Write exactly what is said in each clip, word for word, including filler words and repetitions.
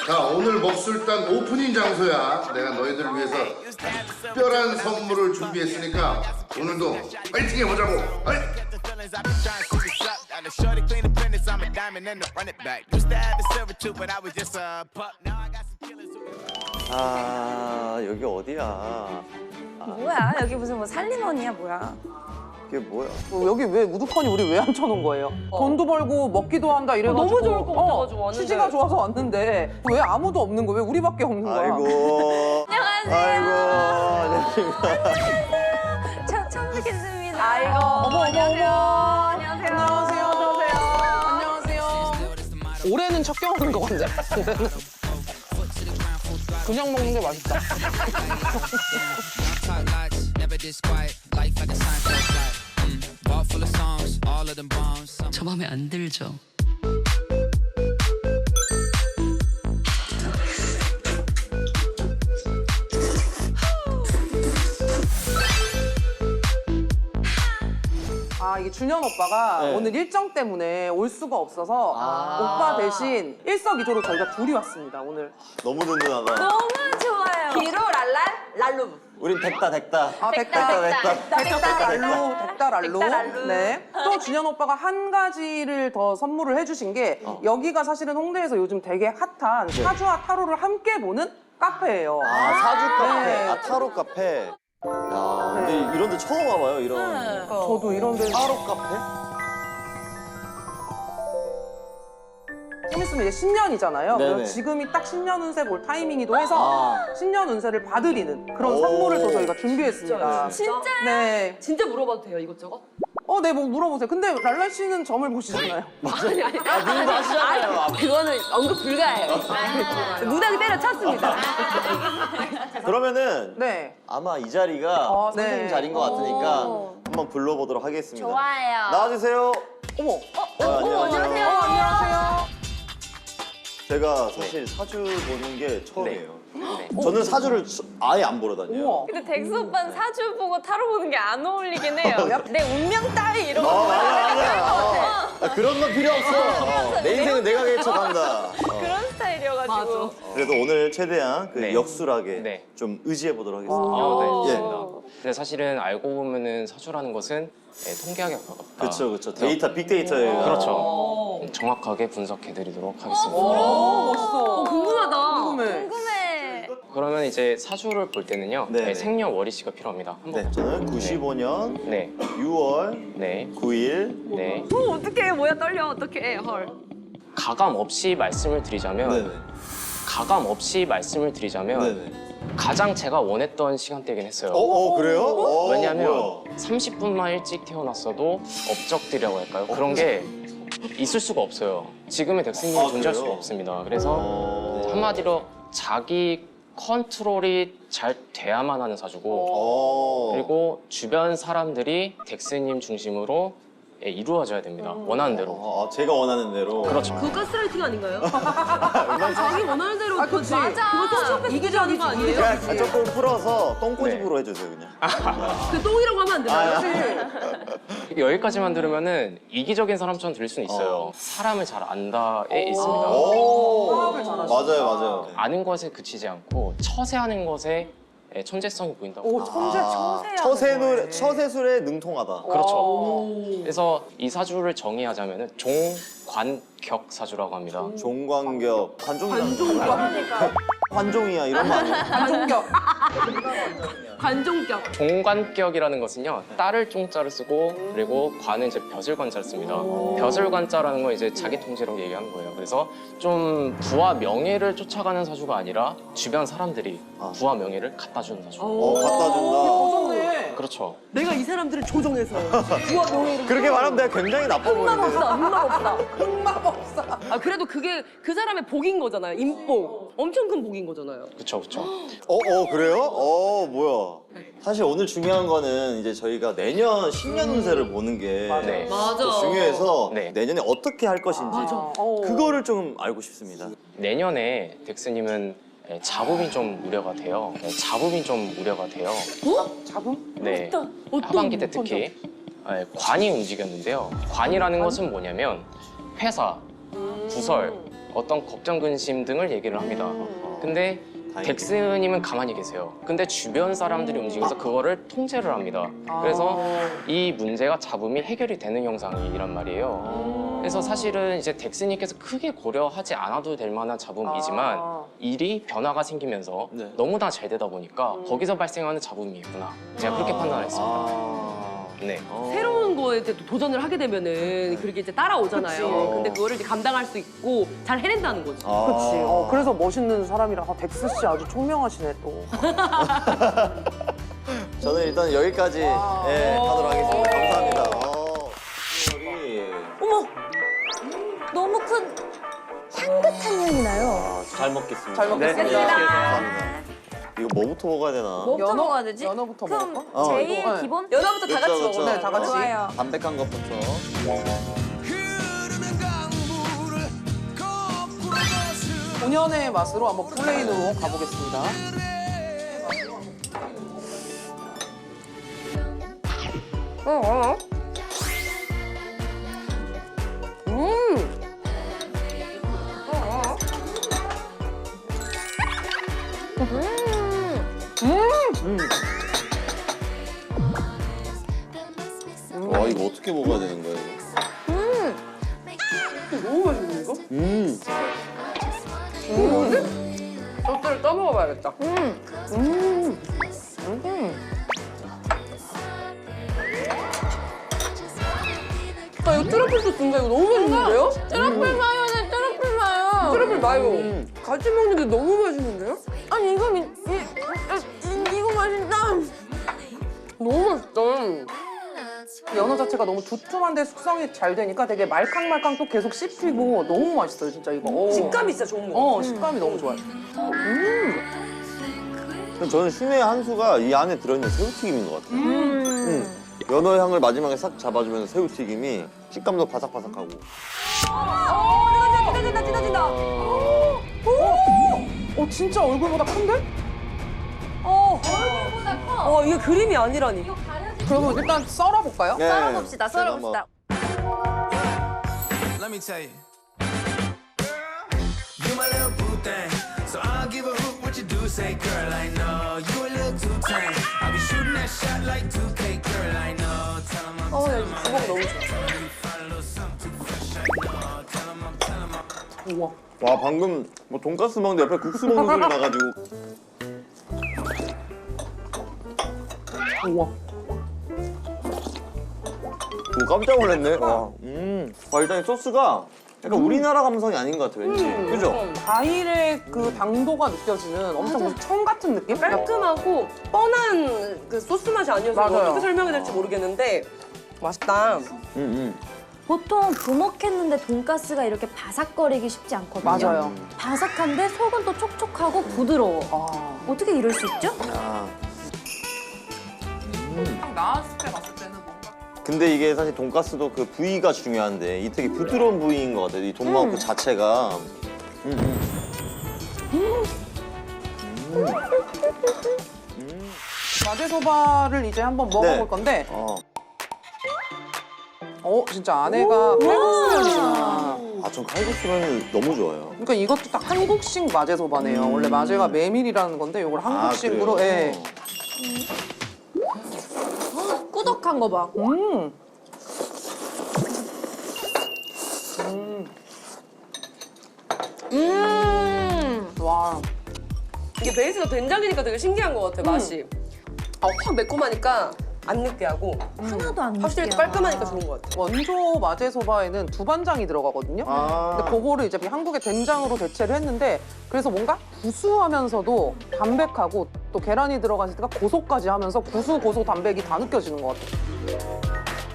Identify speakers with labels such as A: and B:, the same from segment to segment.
A: 자, 오늘 먹술단 오프닝 장소야. 내가 너희들을 위해서 특별한 선물을 준비했으니까 오늘도 파이팅 해보자고. 어이?
B: 아, 여기 어디야?
C: 뭐야? 여기 무슨 뭐 살림원이야 뭐야?
B: 이게 뭐야?
D: 뭐 여기 왜 우두커니 우리 왜 앉혀놓은 거예요? 돈도 벌고 먹기도 한다 이래가지고
E: 너무 좋을 것 같아가지고 왔는데.
D: 취지가 좋아서 왔는데 왜 아무도 없는 거야? 왜 우리밖에 없는 거야?
B: 아이고.
C: 안녕하세요.
B: 아이고.
C: 처, 처음 뵙겠습니다.
E: 아이고.
D: 어머 어머
C: 안녕하세요.
D: 어머.
C: 안녕하세요.
D: 안녕하세요. 안녕하세요. 안녕하세요. 올해는 첫 경험인 것 같네. 그냥 먹는 게 맛있다.
F: 저 맘에 안 들죠.
D: 아 이게 준현 오빠가
B: 네.
D: 오늘 일정 때문에 올 수가 없어서
B: 아.
D: 오빠 대신 일석이조로 저희가 둘이 왔습니다 오늘.
B: 너무 든든하다.
C: 너무 좋아요.
E: 기루 랄랄 랄루.
B: 우린 됐다, 됐다.
D: 아
B: 됐다,
D: 백달
B: 됐다.
D: 백달알로 백달알로.
E: 백달알로.
D: 네. 또 준현 오빠가 한 가지를 더 선물을 해주신 게
B: 어.
D: 여기가 사실은 홍대에서 요즘 되게 핫한 사주와 타로를 함께 보는 카페예요.
B: 아, 사주 카페.
D: 네.
B: 아, 타로 카페. 야, 근데 이런 데 처음 와봐요, 이런.
D: 저도 이런 데
B: 타로 카페?
D: 좀 있으면 이제 신년이잖아요.
B: 네네.
D: 그래서 지금이 딱 신년 운세 볼 타이밍이기도 해서
B: 아.
D: 신년 운세를 봐드리는 그런
B: 오.
D: 선물을 또 저희가 준비했습니다.
E: 진짜요?
D: 네.
E: 진짜 물어봐도 돼요 이것저것?
D: 어, 네, 뭐 물어보세요. 근데 랄라 씨는 점을 보시잖아요.
E: 아니 아니.
B: 아, 님도 하시잖아요. 아,
E: 그거는 언급 불가해요. 무당이 때려쳤습니다.
B: 그러면
D: 네.
B: 아마 이 자리가
D: 어,
B: 선생님
D: 네.
B: 자리인 것 같으니까
E: 오.
B: 한번 불러보도록 하겠습니다.
C: 좋아요.
B: 나와주세요.
D: 어머.
B: 어, 안녕하세요.
C: 안녕하세요.
D: 어, 안녕하세요.
B: 제가 사실 사주 보는 게 처음이에요.
G: 네.
B: 저는 사주를 수- 아예 안 보러 다녀요.
D: 우와.
C: 근데 덱스 오빠는 사주 보고 타로 보는 게 안 어울리긴 해요. 내 운명 따위 이런
B: 어,
C: 거
B: 맞아,
C: 생각할 것
B: 맞아.
C: 같아.
B: 어. 아, 그런 건 필요 없어. 어, 내 인생은 내가 개척한다. 어.
C: 그런 스타일이어가지고.
E: 맞아.
B: 그래도 오늘 최대한 그
G: 네.
B: 역술하게
G: 네.
B: 좀 의지해 보도록 하겠습니다.
G: 어, 네,
B: 예.
G: 좋습니다. 근데 사실은 알고 보면은 사주라는 것은 예, 통계학에 가깝다.
B: 그렇죠, 그렇죠. 데이터, 빅데이터예요.
G: 그렇죠. 정확하게 분석해드리도록 하겠습니다.
D: 오, 멋있어.
E: 어, 궁금하다.
D: 궁금해.
C: 궁금해.
G: 그러면 이제 사주를 볼 때는요,
B: 네, 네.
G: 예, 생년월일씨가 필요합니다. 한번.
B: 네, 저는 구십오 년
G: 네,
B: 유월
G: 네,
B: 구일.
G: 네.
E: 어, 어떡해 뭐야 떨려 어떡해 헐.
G: 가감 없이 말씀을 드리자면,
B: 네네.
G: 가감 없이 말씀을 드리자면
B: 네네.
G: 가장 제가 원했던 시간대긴 했어요.
B: 어, 어 그래요? 어,
G: 왜냐면
B: 뭐야.
G: 삼십 분만 일찍 태어났어도 업적들이라고 할까요? 그런 게 있을 수가 없어요. 지금의 덱스님이
B: 아,
G: 존재할
B: 그래요?
G: 수가 없습니다. 그래서
B: 어.
G: 한마디로 자기 컨트롤이 잘 돼야만 하는 사주고,
B: 어.
G: 그리고 주변 사람들이 덱스님 중심으로 예, 이루어져야 됩니다. 원하는 대로.
B: 어, 제가 원하는 대로.
G: 그렇죠.
E: 그거 가스라이팅 아닌가요? 자기 원하는 대로
D: 아,
E: 그
D: 그치.
E: 맞아. 그거 토시오패스
D: 이기적이지,
E: 거 아니에요?
D: 이기적.
B: 그냥 조금 풀어서 똥꼬집으로 해주세요, 그냥.
E: 그 똥이라고 하면 안 되나요?
D: 그치.
G: 여기까지만 들으면은 이기적인 사람처럼 들릴 수는 있어요.
B: 어.
G: 사람을 잘 안다에 있습니다.
B: 오.
D: 화합을 잘하시네.
B: 맞아요, 맞아요.
G: 아는 것에 그치지 않고 처세하는 것에 예, 천재성이 보인다고.
D: 오, 천재,
B: 아,
D: 천재야.
B: 처세술, 처세술에 능통하다.
G: 그렇죠. 그래서 이 사주를 정의하자면은 종관격 사주라고 합니다.
B: 종관격, 관종이야.
E: 관종격.
B: 관종이야, 이런 거 아니야?
D: 관종격.
E: 관종격.
G: 종관격이라는 것은요, 딸을 종자를 쓰고 그리고 관은 이제 벼슬관자를 씁니다. 벼슬관자라는 건 이제 자기 통제라고 얘기하는 거예요. 그래서 좀 부와 명예를 쫓아가는 사주가 아니라 주변 사람들이
B: 아.
G: 부와 명예를 갖다 주는 사주.
B: 어, 갖다 준다.
D: 어, 좋네.
G: 그렇죠.
E: 내가 이 사람들을 조종해서 부와 명예를.
B: 그렇게 말하면 내가 굉장히 나빠
E: 흑막
B: 보이는데.
E: 없다, 흑막 없다.
D: 흑마법사.
E: 아 그래도 그게 그 사람의 복인 거잖아요. 인복. 엄청 큰 복인 거잖아요.
G: 그렇죠, 그렇죠.
B: 어, 어, 그래요? 어, 뭐야. 사실 오늘 중요한 거는 이제 저희가 내년 신년 운세를 보는 게
G: 네.
E: 맞아.
B: 또 중요해서
G: 네.
B: 내년에 어떻게 할 것인지
D: 어.
B: 그거를 좀 알고 싶습니다.
G: 내년에 덱스님은 예, 자부빈 좀 우려가 돼요. 예, 자부빈 좀 우려가 돼요.
D: 잡음?
G: 네.
E: 어떤
G: 하반기 때 특히 예, 관이 움직였는데요. 관이라는 것은 뭐냐면 회사, 부설, 어떤 걱정, 근심 등을 얘기를 합니다. 근데 덱스님은 가만히 계세요. 근데 주변 사람들이 움직여서 그거를 통제를 합니다. 그래서 이 문제가 잡음이 해결이 되는 형상이란 말이에요. 그래서 사실은 이제 덱스님께서 크게 고려하지 않아도 될 만한 잡음이지만
D: 아.
G: 일이 변화가 생기면서
B: 네.
G: 너무나 잘 되다 보니까 거기서 발생하는 잡음이구나. 제가 그렇게 판단했습니다.
B: 아.
G: 네.
B: 어.
E: 새로운 거에 이제 또 도전을 하게 되면은 그렇게 이제 따라오잖아요.
D: 그치.
E: 근데 그거를 이제 감당할 수 있고 잘 해낸다는 거지.
B: 아.
D: 그치. 어, 그래서 멋있는 사람이라 아, 덱스 씨 아주 총명하시네 또.
B: 저는 일단 여기까지 예, 하도록 하겠습니다. 감사합니다. 어. 여기.
C: 어머, 너무 큰 향긋한 향이 나요.
B: 아, 잘 먹겠습니다.
D: 잘 먹겠습니다.
B: 네, 감사합니다. 이거 뭐부터 먹어야 되나?
C: 뭐부터
D: 연어?
C: 먹어야 되지?
D: 연어부터
C: 그럼
D: 먹을까?
B: 어,
C: 제일
D: 이거, 네.
C: 기본?
E: 연어부터 다 같이
B: 그쵸, 그쵸.
E: 먹어요.
D: 네, 다 같이.
C: 좋아요.
B: 담백한 것부터.
D: 본연의 맛으로 한번 플레인으로 가보겠습니다.
E: 어, 어. 음.
B: 와, 이거 어떻게 먹어야 되는 거예요?
E: 너무 맛있네 이거.
B: 음.
E: 소스를 떠먹어봐야겠다. 아 이거 트러플 소스인가? 이거 너무 맛있는데요?
C: 트러플 마요네, 트러플 마요.
E: 트러플 마요. 같이 먹는 게 너무 맛있는데요?
C: 아니, 이거, 미, 이, 이, 이거 맛있다.
E: 너무 맛있다.
D: 연어 자체가 너무 두툼한데 숙성이 잘 되니까 되게 말캉말캉 또 계속 씹히고 너무 맛있어요 진짜 이거. 오.
E: 식감이 진짜 좋은 거.
D: 어 식감이 너무 좋아요.
B: 그럼 저는 신의 한 수가 이 안에 들어있는 새우튀김인 것 같아요. 음. 연어 향을 마지막에 싹 잡아주면서 새우튀김이 식감도 바삭바삭하고.
C: 어, 찢어진다, 찢어진다.
D: 어 진짜 얼굴보다 큰데?
C: 어, 얼굴보다 커.
E: 와 이게 그림이 아니라니.
D: 그러면 일단 썰어볼까요?
B: 네.
C: 썰어봅시다,
B: 제가
C: 썰어봅시다.
H: Let me tell you. You my little boo thing. So I'll give a hoot what you do say, girl, I know. You a little too tame. I'll be shooting that shot like two K, girl, I know. Tell 'em I'm
E: 어, 야,
H: telling
E: 이
H: my
E: 주먹 너무 좋아.
H: find a little something too fresh, I know. Tell 'em I'm telling my
D: 우와.
B: 와, 방금 뭐 돈가스 먹는데 옆에 국수 먹는 소리 나가지고.
D: 우와.
B: 오, 깜짝 놀랐네. 와, 음. 와, 일단 이 소스가 약간 우리나라 감성이 아닌 것 같아, 왠지. 그죠?
D: 과일의 그 당도가 느껴지는 엄청 무슨 청 같은 느낌?
E: 깔끔하고 뻔한 그 소스 맛이 아니어서 이거
D: 맞아요.
E: 어떻게 설명해야 될지 모르겠는데 맛있다.
B: 음, 음.
C: 보통 부먹했는데 돈가스가 이렇게 바삭거리기 쉽지 않거든요.
D: 맞아요.
C: 바삭한데 속은 또 촉촉하고 부드러워.
D: 아.
C: 어떻게 이럴 수 있죠?
B: 아.
D: 딱 나왔을 때 봤을 때는 뭔가
B: 근데 이게 사실 돈가스도 그 부위가 중요한데 이 되게 부드러운 부위인 것 같아요. 이 돈마호크 자체가. 음, 음.
D: 마제소바를 이제 한번 먹어볼
B: 네.
D: 건데
B: 어.
D: 어 진짜 안에가 칼국수면이구나.
B: 아, 전 칼국수면 너무 좋아요.
D: 그러니까 이것도 딱 한국식 마제소바네요. 원래 마제가 메밀이라는 건데 이걸 한국식으로
B: 아, 그래요?
D: 예.
C: 꾸덕한 거 봐.
D: 음.
C: 음.
D: 와.
E: 이게 베이스가 된장이니까 되게 신기한 것 같아 맛이. 아, 확 매콤하니까 안 느끼하고
C: 하나도 안
E: 확실히
C: 느끼해.
E: 깔끔하니까 좋은 것 같아.
D: 원조 마제소바에는 두반장이 들어가거든요.
B: 아.
D: 근데 그거를 이제 한국의 된장으로 대체를 했는데 그래서 뭔가 구수하면서도 담백하고 또 계란이 들어갔을 때가 고소까지 하면서 구수, 고소, 담백이 다 느껴지는 것 같아요.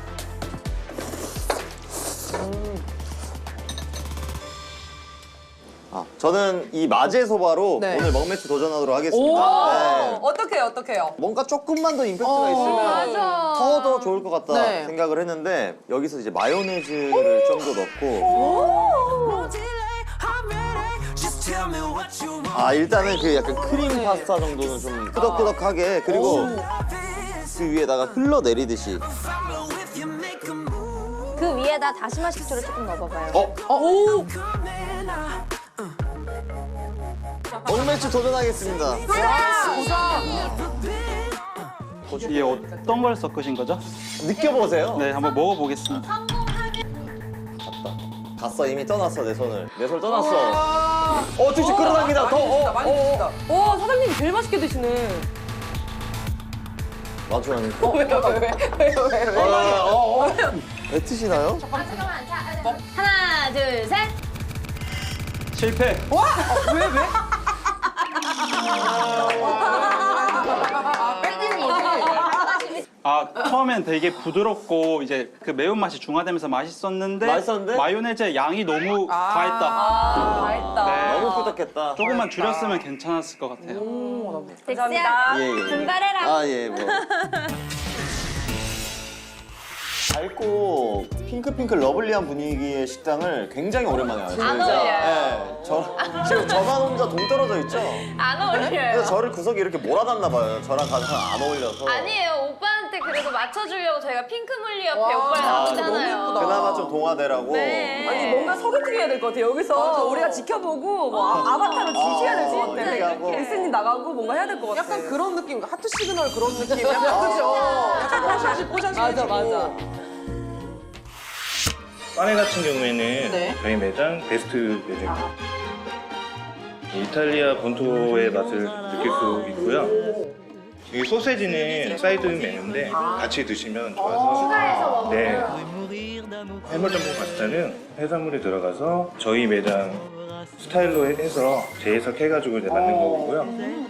B: 아, 저는 이 마제소바로
D: 네.
B: 오늘 먹매치 도전하도록
E: 오,
B: 하겠습니다. 네.
E: 어떡해요, 어떡해요?
B: 뭔가 조금만 더 임팩트가
D: 어,
B: 있으면
C: 맞아.
B: 더 더 좋을 것 같다
D: 네.
B: 생각을 했는데 여기서 이제 마요네즈를 좀 더 넣고
H: Just tell me what you want.
B: 아, 일단은 그 약간 크림 파스타 정도는 좀 끄덕끄덕하게 그리고 그 위에다가 흘러내리듯이
H: Follow if you make a move.
C: 그 위에다 다시마 식초를 조금 넣어봐봐요.
B: 어?
D: 오!
H: Come in, I
B: 억매추 도전하겠습니다.
I: 이게 어떤 걸 섞으신 거죠?
B: 느껴보세요.
I: 네, 한번 먹어보겠습니다.
B: 갔다. 갔어, 이미 떠났어, 내 손을. 내 손을 떠났어. 어, 쭉쭉 끌어당기다. 더, 어,
E: 많이 드신다. 오, 사장님 제일 맛있게 드시네.
B: 마주하는
E: 어, 왜, 왜, 왜, 왜, 왜, 왜?
B: 어, 어, 어. 뱉으시나요?
C: 하나, 둘, 셋.
I: 실패!
E: 왜, 왜?
I: 아, 처음엔 되게 부드럽고 이제 그 매운맛이 중화되면서 맛있었는데
B: 맛있었는데?
I: 마요네즈의 양이 너무
D: 아.
I: 과했다.
E: 아, 맛있다.
I: 네.
B: 너무 꾸덕했다.
I: 조금만 줄였으면 괜찮았을 것 같아요.
C: 덱스야,
B: 예, 예.
C: 분발해라.
B: 아, 예, 뭐. 밝고 핑크핑크 러블리한 분위기의 식당을 굉장히 오랜만에 와요.
C: 안
B: 진짜.
C: 어울려요.
B: 네, 저, 지금 저만 혼자 동떨어져 있죠?
C: 안 어울려요.
B: 그래서 저를 구석에 이렇게 몰아놨나 봐요. 저랑 가장 안 어울려서.
C: 아니에요. 오빠한테 그래도 맞춰주려고 저희가 핑크물리 옆에
D: 와,
C: 오빠를
D: 너무
C: 놨잖아요.
D: 예쁘다.
B: 그나마 좀 동화되라고.
C: 네.
E: 아니, 뭔가 소개팅 해야 될 것 같아요. 여기서
D: 맞아.
E: 우리가 지켜보고 뭐 아, 아바타로 지시해야 될 것 같아.
B: 이렇게 하고.
E: 리스닝 나가고 뭔가 해야 될 것 같아.
D: 약간 그런 느낌, 하트 시그널 그런 느낌. 약간 그죠? 약간 뽀샤시 뽀샤시
E: 맞아,
D: 해주고.
E: 맞아.
J: 빠네 같은 경우에는
D: 네.
J: 저희 매장 베스트 매장입니다. 이탈리아 본토의 맛을 느낄 수 있고요. 이 소세지는 사이드 메뉴인데 같이 드시면 좋아서. 네. 해물전분 파스타는 해산물이 들어가서 저희 매장 스타일로 해서 재해석해가지고 이제 만든 거고요.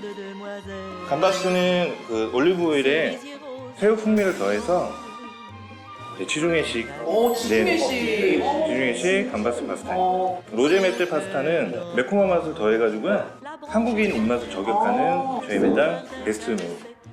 J: 감바스는 그 올리브 오일에 새우 풍미를 더해서 네, 지중해식.
D: 오, 지중해식.
J: 네, 네, 지중해식 감바스 파스타입니다. 로제 메틀 파스타는 매콤한 맛을 더해가지고요. 한국인 입맛을 저격하는 저희 매장 베스트 메뉴.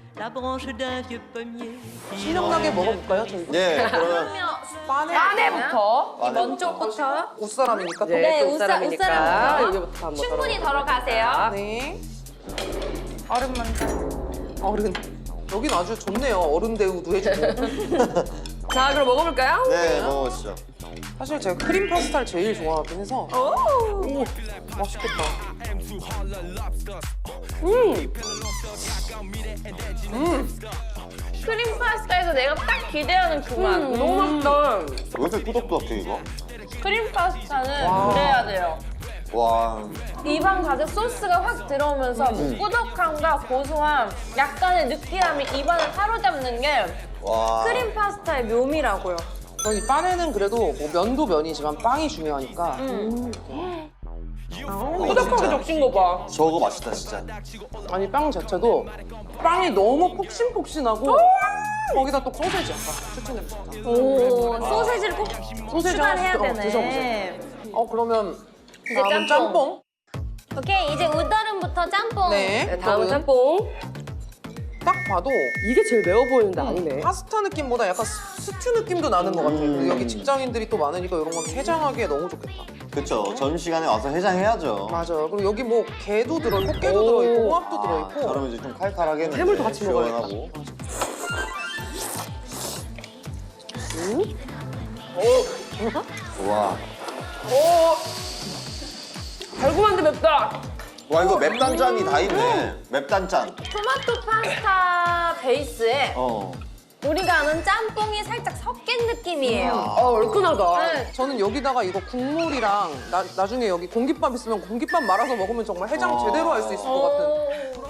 D: 신명나게 먹어볼까요, 저희?
B: 네, 그러면
D: 빠네.
E: 빠네부터.
C: 이 먼저부터.
D: 옷사람이니까 또.
E: 네,
C: 네,
E: 또
C: 옷사-
E: 사람이니까
C: 옷사람부터.
E: 여기부터 한번
C: 충분히
E: 덜어
C: 덜어가세요.
D: 네.
C: 얼음 먼저.
D: 어른. 여긴 아주 좋네요. 어른 대우도 해주고.
E: 자, 그럼 먹어볼까요?
B: 네, 먹어보시죠.
D: 사실 제가 크림 파스타를 제일 좋아하긴 해서. 오, 맛있겠다.
C: 크림 파스타에서 내가 딱 기대하는 그 맛.
E: 음, 너무 맛있다.
B: 왜 이렇게 꾸덕꾸덕해, 이거?
C: 크림 파스타는 그래야 돼요.
B: 와.
C: 입안 가득 소스가 확 들어오면서
B: 음.
C: 꾸덕함과 고소함, 약간의 느끼함이 입안을 사로잡는 게
B: 와.
C: 크림 파스타의 묘미라고요.
D: 저는 이 빠네는 그래도 뭐 면도 면이지만 빵이 중요하니까.
E: 꾸덕하게 적신 거 봐.
B: 저거 맛있다, 진짜.
D: 아니 빵 자체도 빵이 너무 폭신폭신하고 거기다 또 소세지 약간 추천해주고 싶다.
C: 오, 소세지를 꼭
D: 소세지
C: 추가해야
D: 하나 더
C: 되네.
D: 드셔보세요. 어 그러면
C: 이제
D: 다음은
C: 짬뽕.
D: 짬뽕.
C: 오케이, 이제 우더름부터 짬뽕.
D: 네.
E: 네, 다음은
D: 저는
E: 짬뽕.
D: 딱 봐도
E: 이게 제일 매워 보이는데 아니네.
D: 파스타 느낌보다 약간 스- 스튜 느낌도 나는 것 같아요. 그리고 여기 직장인들이 또 많으니까 이런 건 해장하기에 너무 좋겠다.
B: 그쵸. 점심시간에 와서 해장해야죠.
D: 맞아요. 그리고 여기 뭐 게도 들어있고 깨도 들어있고 홍합도 들어있고.
B: 저러면 이제 좀 칼칼하겠는데.
E: 해물도 같이 먹어야겠다.
B: 시원하고. 와.
E: 달콤한데 맵다.
B: 와, 이거 맵단짠이 다 있네. 맵단짠.
C: 토마토 파스타 베이스에
B: 어.
C: 우리가 아는 짬뽕이 살짝 섞인 느낌이에요.
E: 어, 얼큰하다.
C: 네.
D: 저는 여기다가 이거 국물이랑 나, 나중에 여기 공깃밥 있으면 공깃밥 말아서 먹으면 정말 해장
B: 어.
D: 제대로 할 수 있을 것 같은.
C: 오.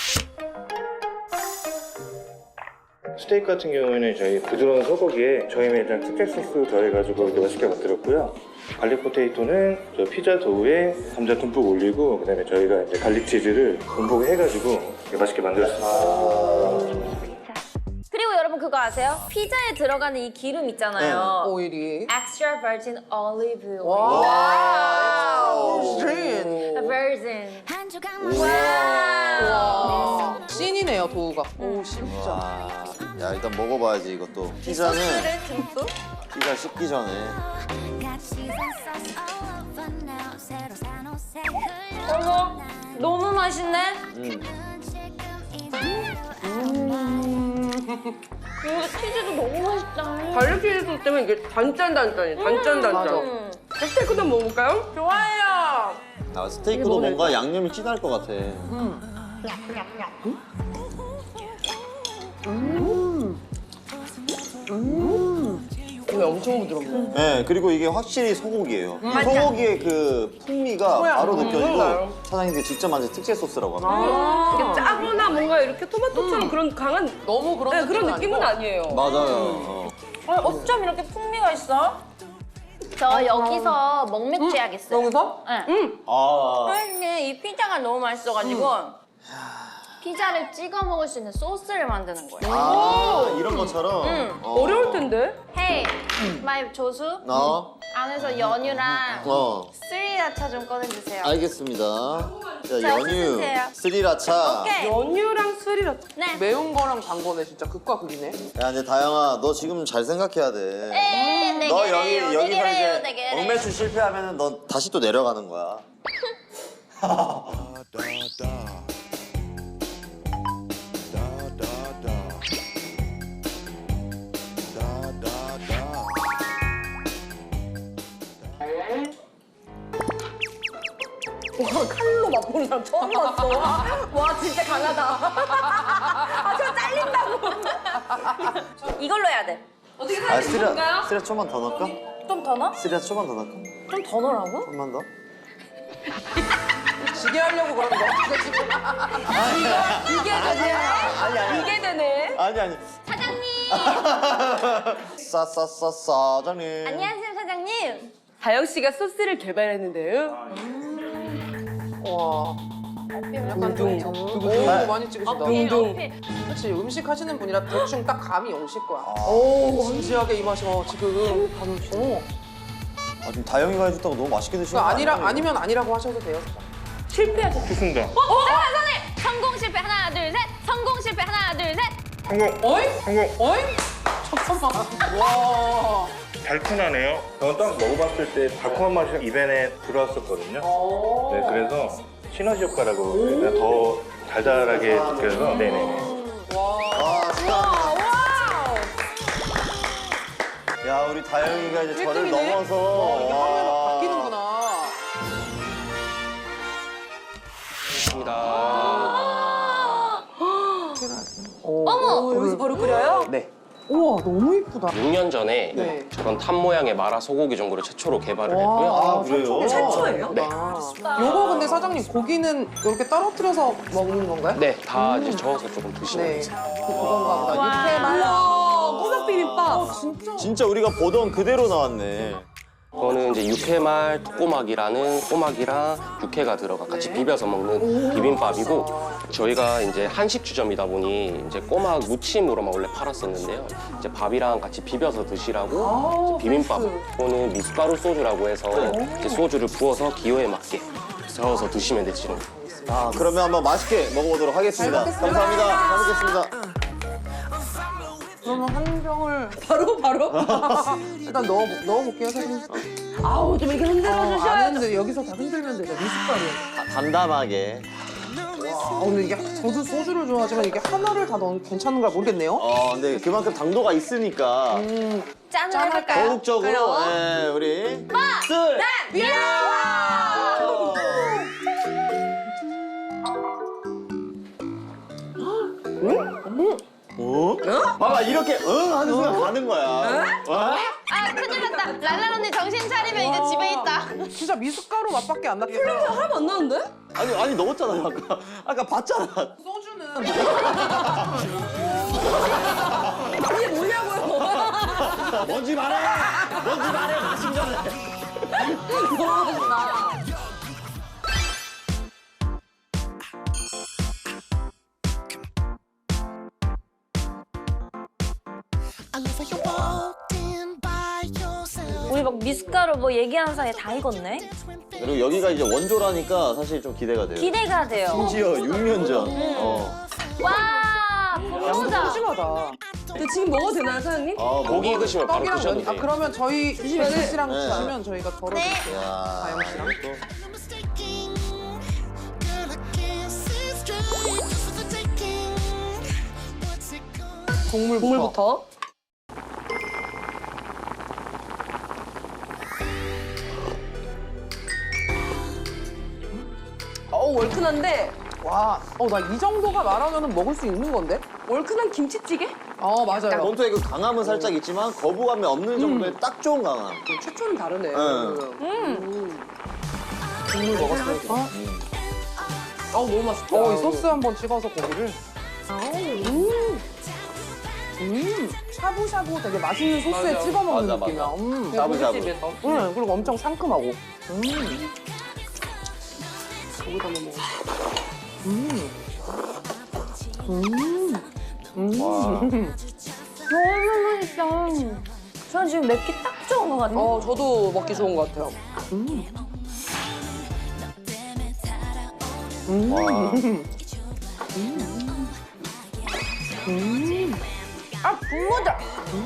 J: 스테이크 같은 경우에는 저희 부드러운 소고기에 저희 매장 특제 소스 더해가지고 이렇게 맛있게 만들었고요. 갈릭 포테이토는 저 피자 도우에 감자 듬뿍 올리고 그다음에 저희가 이제 갈릭 치즈를 듬뿍 해가지고 이렇게 맛있게 만들었습니다.
C: 그리고 여러분 그거 아세요? 피자에 들어가는 이 기름 있잖아요.
D: 오일이.
C: Extra virgin olive oil.
D: 와우.
C: Virgin.
D: 와. 씬이네요, 도우가. 오, 진짜.
B: 와. 야, 일단 먹어봐야지, 이것도. 피자는
C: 소스를 듬뿍.
B: 피자 씹기 전에.
C: 어머, 너무 맛있네.
B: 음.
C: 이거 치즈도 너무 맛있다.
E: 갈릭 치즈 때문에 이게 단짠단짠이 단짠단짠.
C: 음.
E: 스테이크도 한번 먹어볼까요?
C: 좋아요.
B: 아, 스테이크도 뭔가 양념이 진할 것 같아.
E: 이거 엄청 부드럽네.
B: 네, 그리고 이게 확실히 소고기예요. 소고기의 그 풍미가 바로 느껴지고 사장님들 직접 만든 특제 소스라고 합니다.
E: 이게 짜거나 뭔가 이렇게 토마토처럼 그런 강한
D: 너무 그런,
E: 네, 그런 느낌은
D: 아니고.
E: 아니에요.
B: 맞아요. 어.
C: 어쩜 이렇게 풍미가 있어?
K: 저 여기서 먹맥주 해야겠어요.
D: 여기서?
K: 네.
B: 아,
C: 사장님 이 피자가 너무 맛있어가지고
K: 피자를 찍어 먹을 수 있는 소스를 만드는 거예요.
B: 아 이런 것처럼. 어.
E: 어려울 텐데.
K: 헤이, 마이 조수
B: 어,
K: 안에서 연유랑
B: 어,
K: 스리라차 좀 꺼내주세요.
B: 알겠습니다. 자,
K: 자,
B: 연유,
K: 쓰세요.
B: 스리라차.
C: 오케이.
E: 연유랑 스리라차.
K: 네.
D: 매운 거랑 단 거네 진짜 극과 극이네.
B: 야, 이제 다영아, 너 지금 잘 생각해야 돼.
K: 에, 네
B: 너
K: 개래요,
B: 여기
K: 네
B: 여기서
K: 개래요,
B: 이제
K: 네 개래요.
B: 억매출 실패하면은 너 다시 또 내려가는 거야.
E: 와 칼로 맛보는 사람 처음 봤어. 와 진짜 강하다. 아저 잘린다고.
C: 이걸로 해야 돼.
E: 어떻게
B: 아,
E: 사야지
B: 스리라,
E: 좋은가요?
B: 스리라 좀만 더 넣을까?
C: 좀 더 넣어?
B: 스리라 좀만 더 넣을까?
C: 좀 더 넣으라고?
B: 좀만 더?
D: 지게 하려고 그러는 거 같아 지금.
E: 이게 되네.
B: 아니, 아니.
E: 이게 되네.
B: 아니, 아니.
K: 사장님!
B: 싸싸싸 사장님.
K: 안녕하세요, 사장님.
E: 다영 씨가 소스를 개발했는데요.
D: 와. 약간 좀 오, 많이 찍으신다.
E: 둥둥.
D: 그렇지 음식 하시는 분이라 대충 딱 감이 오실 거야. 오 진지하게 이 맛이 어, 지금 어.
B: 아, 지금 다영이가 해줬다고 너무 맛있게 드시는
D: 그러니까
B: 거
D: 아니라
B: 아니에요?
D: 아니면 아니라고 하셔도 돼요.
E: 실패하셨어.
J: 좋습니다.
K: 어, 사장님! 성공 실패 하나, 둘, 셋! 성공 실패 하나, 둘, 셋!
J: 성공.
D: 어이?
J: 성공.
D: 어이? 잠깐만. 와.
J: 달큰하네요. 저는 딱 먹어봤을 때 달콤한 맛이 입안에 들어왔었거든요. 네, 그래서 시너지 효과라고 그러니까 더 달달하게 느껴서 네네.
B: 아, 진짜. 야, 우리 다영이가 이제 저를
D: 일 등이네?
B: 넘어서.
D: 와, 이게 화면이
B: 와.
D: 바뀌는구나.
E: 어머 여기서 바로 끓여요?
G: 네.
D: 우와 너무 이쁘다.
G: 육 년 전에
D: 네.
G: 저런 탑 모양의 마라 소고기 전골을 최초로 개발을 했고요.
B: 아, 그래요?
E: 최초예요?
G: 네.
D: 요거 근데 사장님 고기는 이렇게 떨어뜨려서 먹는 건가요?
G: 네, 다 이제 저어서 조금 드시면
D: 네.
G: 되세요.
D: 그- 그건가 보다. 육회만.
E: 우와 꼬막 비빔밥.
D: 진짜.
B: 진짜 우리가 보던 그대로 나왔네.
G: 이거는 이제 육회말 토꼬막이라는 꼬막이랑 육회가 들어가 같이 비벼서 먹는 비빔밥이고 저희가 이제 한식주점이다 보니 이제 꼬막 무침으로만 원래 팔았었는데요. 이제 밥이랑 같이 비벼서 드시라고 이제 비빔밥. 이거는 미숫가루 소주라고 해서 이제 소주를 부어서 기호에 맞게 저어서 드시면 되시는 거예요.
B: 아, 그러면 한번 맛있게 먹어보도록 하겠습니다. 감사합니다. 잘 먹겠습니다.
D: 그러면 한 병을
E: 바로 바로.
D: 일단 넣어 넣어볼게요 사장님.
E: 아우 좀 이렇게 흔들어
D: 아,
E: 주셔야
D: 안 했는데 여기서 다 흔들면 되죠 미숫가루.
B: 다- 담담하게.
D: 아 근데 이게 저도 소주를 좋아하지만 이게 하나를 다 넣으면 괜찮은 걸 모르겠네요.
B: 어, 근데 그만큼 당도가 있으니까
D: 음.
C: 짠을
D: 짠
C: 해볼까요?
B: 더욱적으로 예, 우리 쓸 어? 봐봐 이렇게 응 하는 순간 가는 거야. 어?
K: 아, 큰일 났다. 랄랄 언니 정신 차리면 이제 집에 있다.
D: 진짜 미숫가루 맛밖에 안 났겠어.
E: 하나도 안 나는데?
B: 아니 아니 넣었잖아요 아까 아까 봤잖아.
D: 소주는
E: 이게 뭐냐고요?
B: 뭔지 말해. 뭔지 말해 마신 전에.
E: 너무 맛있다.
C: 우리 막 미숫가루 뭐 얘기하는 사이에 다 익었네?
B: 그리고 여기가 이제 원조라니까 사실 좀 기대가 돼요.
C: 기대가 돼요.
B: 심지어 육 년 전. 어.
C: 와, 부러우다.
D: 심하다.
E: 근데 지금 먹어도 되나요 사장님?
B: 아,
G: 고기
B: 먹어.
G: 드시면 바로
D: 떡이랑
G: 드셔도
D: 면이. 아
G: 돼요.
D: 그러면 저희
E: 드시면은-
D: 혜지 씨랑
B: 네.
D: 드시면 저희가 덜어드릴게요.
B: 야,
D: 다영 씨랑.
B: 또.
D: 국물부터.
E: 국물부터. 너무 얼큰한데
D: 와, 어, 나 이 정도가 말하면 먹을 수 있는 건데?
E: 얼큰한 김치찌개?
D: 어, 맞아요.
B: 본토의 그 강함은 살짝 있지만 거부감이 없는 정도의 딱 좋은 강함.
E: 최초는 다르네.
B: 응.
D: 국물 먹었으니까. 어,
E: 어우 너무 맛있다.
D: 어, 이 소스 한번 찍어서 고기를. 음. 음, 샤브샤브 되게 맛있는 소스에
E: 맞아.
D: 찍어 먹는
B: 맞아,
D: 느낌이야.
B: 맞아.
D: 음.
B: 샤브샤브.
E: 집에서
D: 응, 그리고 엄청 상큼하고. 음.
E: 거기다 한번 먹어.
D: 음. 음. 음.
B: 와.
C: 너무 맛있다. 저는 지금 맵기 딱 좋은 것 같아요.
E: 어 저도 먹기 좋은 것 같아요.
D: 음. 음.
B: 와.
D: 음.
C: 아, 국물다.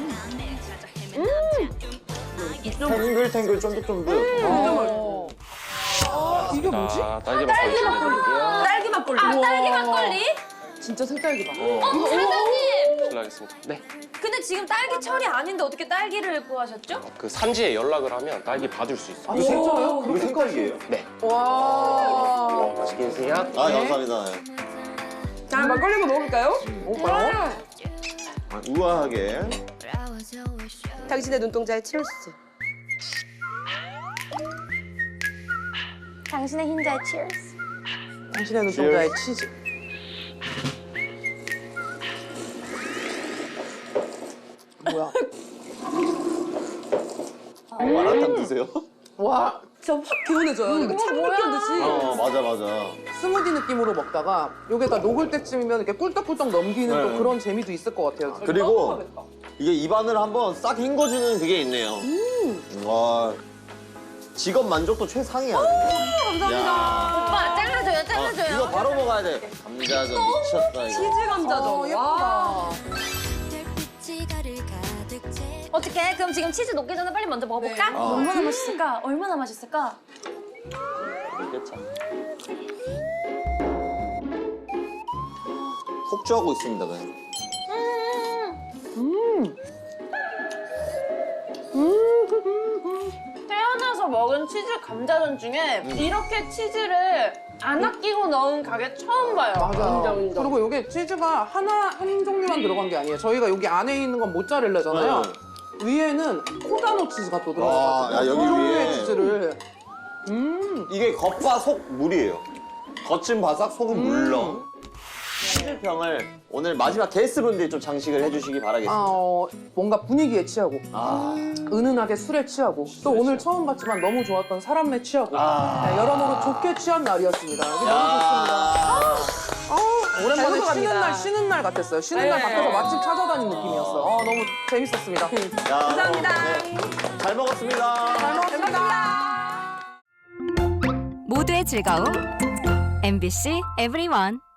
B: 탱글탱글 쫀득쫀득.
D: 어. 아, 이게 뭐지?
G: 자, 딸기 막걸리 드릴게요.
E: 딸기 막걸리.
C: 아, 딸기 막걸리?
E: 진짜 생딸기 맛.
C: 어, 사장님!
G: 실례하겠습니다. 네.
C: 근데 지금 딸기철이 아닌데 어떻게 딸기를 구하셨죠?
G: 그 산지에 연락을 하면 딸기 받을 수 있어요.
D: 아, 진짜요?
B: 이거 생딸기예요?
G: 네.
D: 와.
G: 맛있게 드세요.
B: 아, 감사합니다.
E: 자 막걸리 한번 먹어볼까요?
D: 오빠요?
B: 아, 우아하게.
E: 당신의 눈동자에 치얼스.
C: 당신의 흰자에 치얼스.
D: 당신의 눈동자에 치즈. 뭐야?
B: 마라탕 드세요?
D: 와,
E: 진짜 확 개운해져요. 이거 찬물 껴듯이.
B: 어, 맞아, 맞아.
D: 스무디 느낌으로 먹다가 요게다 녹을 때쯤이면 이렇게 꿀떡꿀떡 넘기는
B: 네.
D: 또 그런 재미도 있을 것 같아요.
B: 그리고 이게 입안을 한번 싹 헹궈주는 그게 있네요. 와. 직업 만족도 최상이야. 감사합니다.
C: 오빠, 잘라줘요,
B: 어,
C: 잘라줘요.
B: 이거 바로 먹어야 돼. 감자전 미쳤다, 이거.
E: 치즈 감자전.
D: 어,
E: 와.
C: 어떻게? 그럼 지금 치즈 녹기 전에 빨리 먼저 먹어볼까?
E: 네.
B: 어.
C: 얼마나 맛있을까? 얼마나 맛있을까?
B: 먹겠자. 폭주하고 있습니다, 그냥.
D: 음.
C: 태어나서 먹은 치즈 감자전 중에 이렇게 치즈를 안 아끼고 넣은 가게 처음 봐요.
D: 맞아.
E: 인정, 인정.
D: 그리고 이게 치즈가 하나 한 종류만 들어간 게 아니에요. 저희가 여기 안에 있는 건 모짜렐라잖아요. 위에는 코다노 치즈가 또
B: 와,
D: 들어가서
B: 야, 여기
D: 두 종류의
B: 위에.
D: 치즈를. 음.
B: 이게 겉바 속 물이에요. 겉은 바삭, 속은 물렁. 치즈병을 오늘 마지막 게스트분들이 좀 장식을 해주시기 바라겠습니다.
D: 아, 어, 뭔가 분위기에 취하고
B: 아,
D: 은은하게 술에 취하고 또 오늘 처음 봤지만 너무 좋았던 사람에 취하고
B: 아.
D: 네, 여러모로 좋게 취한 날이었습니다. 여기 너무
B: 야.
D: 좋습니다. 아, 오랜만에
E: 잘
D: 쉬는
E: 넘어갑니다.
D: 날 쉬는 날 같았어요. 쉬는 날
E: 네.
D: 밖에서 맛집 찾아다니는 느낌이었어요. 아, 너무 재밌었습니다.
B: 야,
E: 감사합니다.
B: 네. 잘 먹었습니다.
D: 잘 먹었습니다.
L: 모두의 즐거움 엠비씨 에브리원.